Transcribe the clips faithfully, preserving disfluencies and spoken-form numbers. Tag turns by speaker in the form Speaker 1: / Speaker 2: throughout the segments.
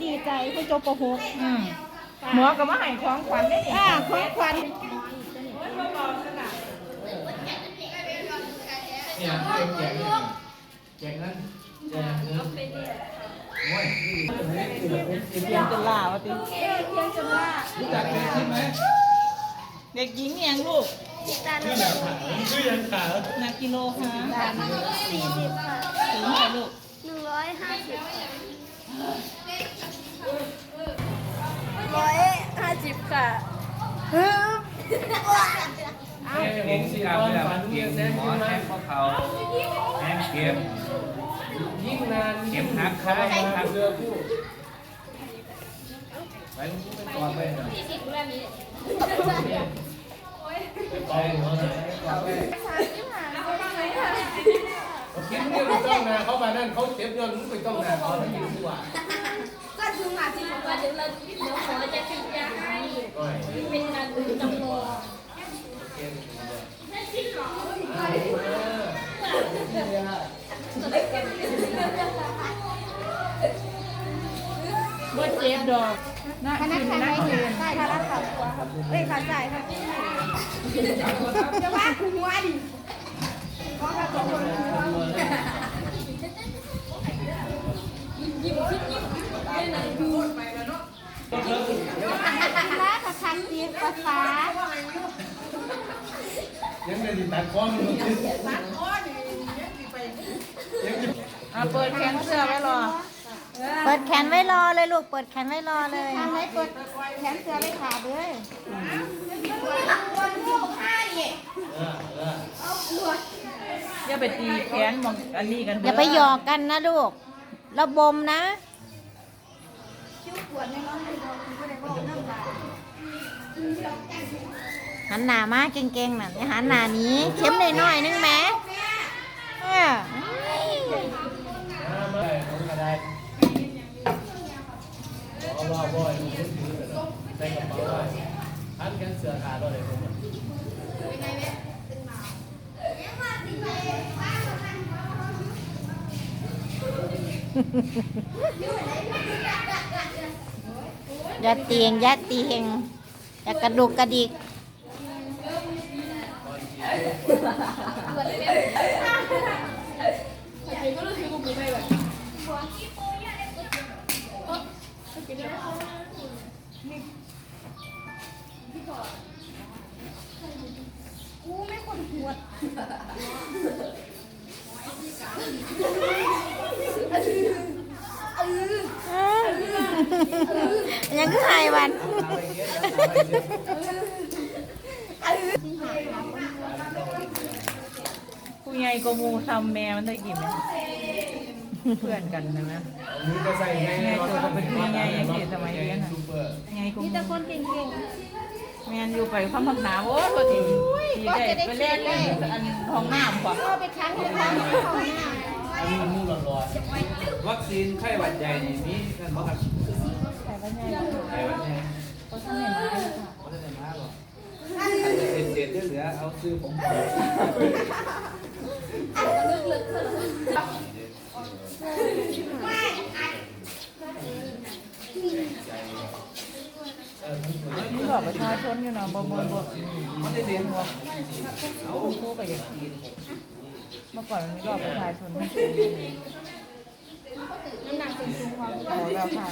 Speaker 1: ดีใจเพิ่นจบป .หก
Speaker 2: อืมหมอก็มาให้ของขวัญได้นี่
Speaker 1: อ่าของขวัญ
Speaker 3: เนี่ยแจกแจกนั้นแจกนั้นโอ้ย
Speaker 2: เรียนจนล่าวะติ
Speaker 3: รู้จักแจกใช่ไหม
Speaker 2: เด็กหญิงยังลูก
Speaker 3: ชื่ออย่างขาชื่ออย่างขา
Speaker 2: นักกิโลค่ะ
Speaker 1: สี่สิบค่ะ
Speaker 2: ถึงค่ะลูก
Speaker 1: หนึ่งร้อยห้าสิบร้อยห้าสิบค่ะ
Speaker 4: เก่งสิครับเวลามันเก่งหมอแทงข้อเข่าแทงเข็ม
Speaker 3: ยิ่งนาน
Speaker 4: เข็มหักขาหัก
Speaker 3: เรือคู่ไปก่อนไปหน่อยไปหัวหน้าเข็มเนี่ยไม่ต้องนาเขามานั่นเขาเข็มยนต์ไม่ต้องนาเขาไม่อยู่ดีกว่า
Speaker 5: ก็ถึงมาที่บอกว่าเดี๋ยวเราเดี๋ยวขอจะฉีดยาให้เป็นการดูจำลอง
Speaker 2: บ่เจ็บดอกนะ
Speaker 1: พนักงานไม่ยืนได้ค่ะรับขาตัวครับเอ้ยขาจ่ายครับจะว่าคือหัวดิก็กระจกหัวยิ้มคิดยิ้มได้เลยดูไปแล้วเนาะแล้วค่ะคันตีภาษา
Speaker 3: ยังไงดิตัดคอมันตัดคอ
Speaker 2: อ่ะเปิดแขนเสื้อไว้รอ
Speaker 6: เปิดแขนไว้รอเลยลูก เปิดแขนไว้รอเลย
Speaker 1: ทำให้เปิดแขนเสือไม่ขาดเลย
Speaker 2: อย่าไปตีแขนมองอันนี้กัน
Speaker 6: อย่าไปหยอกกันนะลูกระบมนะ หันหน้ามาเก่งๆน่ะอย่าหันหน้าหนี้เข็มหน่อยๆนึงแหมเออ
Speaker 3: ไม่ผมก็ได้เอาว่าบ่อยใส่กระเป๋าไว้ทันกันเสือขาดเลยผม
Speaker 6: อย่าเตียงอย่าเตียงอย่ากระดุกกระดิก
Speaker 1: กูไม่คนปวด
Speaker 6: ยังคือหายวัน
Speaker 2: ผู้ใหญ่ก็มูทำแม่มันได้กี่ไหมเพื่อนกันนะนะ
Speaker 3: มือก็ใส่ไง
Speaker 2: ไงตัวก็เป็นผู้ใหญ่ยังเด็กสมัยเรียนน่ะไงก็
Speaker 1: มี
Speaker 2: มู
Speaker 1: แต่คนเก่ง
Speaker 2: แม่นอยู่ไปความพักหนาโอ้ตัวทีทีได้ไปเล่นเล่นอันห้องน้ำกว่า
Speaker 1: ๆก็ไปครั้งที่ครั้งที่เขาหน้า
Speaker 3: อันนี้มันมูหลอด
Speaker 4: วัคซีนไข้หวัดใหญ่นี่มีกันบ่ครับ
Speaker 2: ใส่ไว้ใหญ่
Speaker 4: ไข้หวัดใหญ่
Speaker 2: เขาทำให้มาเลยค่ะ
Speaker 4: บ่ได้มาบ่อันจะเป็นเศษเหลือเอาซื้อผมไป
Speaker 2: นี่บอกประชาชนอยู่เนาะบ่บ่บ่ไม่ได้เรียนหัวเอาคู่ไปอย่างกินเมื่อก่อนมันมีรอบประชาชนไม่ใช่
Speaker 1: น้ำหนักสูงสูงความ
Speaker 2: เอาแล้วค่ะ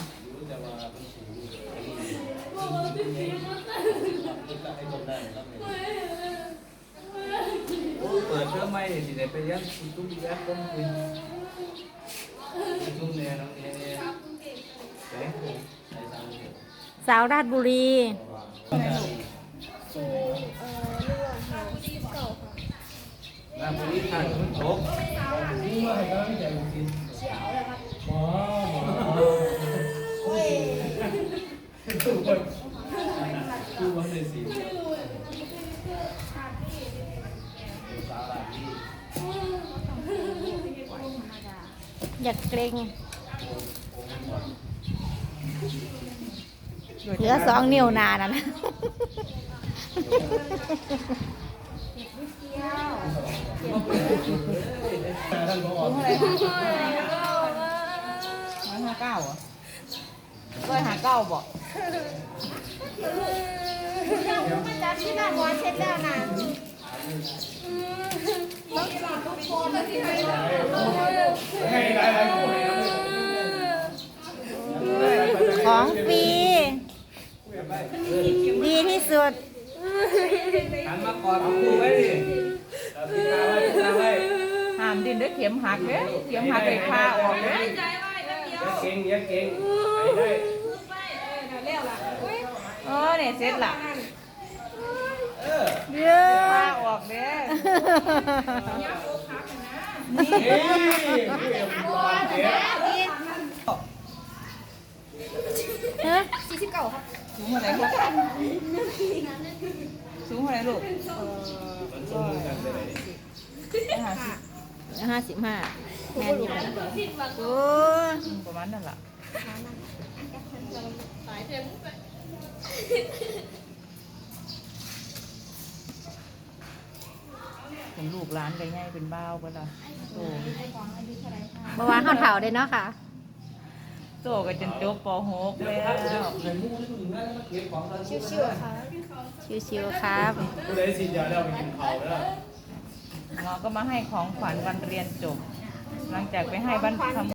Speaker 4: เปิดเทอมใหม่สิได้ไปเรียนทุกๆแบบต้องกินทุกแนวน้องเนี่ยแสงใส่ตามเด็ก
Speaker 6: สาวราชบุรี
Speaker 1: สูงเอ่อเรื่องหาสิบเก่าค่ะ
Speaker 4: น้ำบริทานมันตก
Speaker 3: นี่มาให้เราไม่ใจกิน
Speaker 1: เขียวเลยครับ
Speaker 3: หมอหมอโอ้ยทุกคนทุกคนเลยสิสาวหลายที่
Speaker 6: อย่าเกรงเหลือสองนิ้วนานั่นนะ
Speaker 3: ท่านบอก
Speaker 2: เท่าไหร่คะร้อยห้าเก้าอ่ะร้อยหาเก้าบ่
Speaker 1: จับที่หน้าหัวเช็ดแล้วนะต้องฉีดทุกคนแล้วที่ไหน
Speaker 3: ให้หลายๆคู่ให้ครับ
Speaker 6: ของฟรีดีที่สุด
Speaker 4: หันมากอดเอาคู่ไว้ดิเอาพี่ตาไว้พี่ตาไว้
Speaker 2: ห้ามดิ้นด้วยเข็มหักเด้เข็มหักไปพาออกเด้
Speaker 4: อย่าเก่งอย่าเก่งไปได้
Speaker 2: เออเนี่ยเสร็จละ
Speaker 4: เออ
Speaker 6: เย้
Speaker 2: พาออกเด้
Speaker 3: นี่คู่เอ็มรอนเจ๊
Speaker 6: ฮะ
Speaker 1: สี่สิบเก้าครับ
Speaker 2: สูงเท่าไหร่ลูกสูงเท่าไหร่ลูก
Speaker 3: มันส่งกันไปไหน
Speaker 2: ห้าสิบ
Speaker 6: ห้าสิบห้าแมนอยู่นะโอ้ย
Speaker 2: ประมาณนั่นล่ะ
Speaker 5: สายเต็มไป
Speaker 2: ผมลูกร้านไปง่ายเป็นบ้าวก็ละโต
Speaker 6: เมื่อวานเขาเถ่าได้เนาะค่ะ
Speaker 2: โตก็จนจบป หก
Speaker 4: เดี๋ยว
Speaker 2: แล้
Speaker 4: ครับเดี๋ยว
Speaker 2: ว
Speaker 4: ใส่หมูนี่มึงนั่นมาเก็บของกัน
Speaker 1: ชิวๆค่ะ
Speaker 6: ชิวๆครับ
Speaker 3: ผู้ใดสิยาแล้วไปกินข้าวแล้ว
Speaker 2: หมอก็มาให้ของขวัญวันเรียนจบ หลังจากไปให้บ้านทำ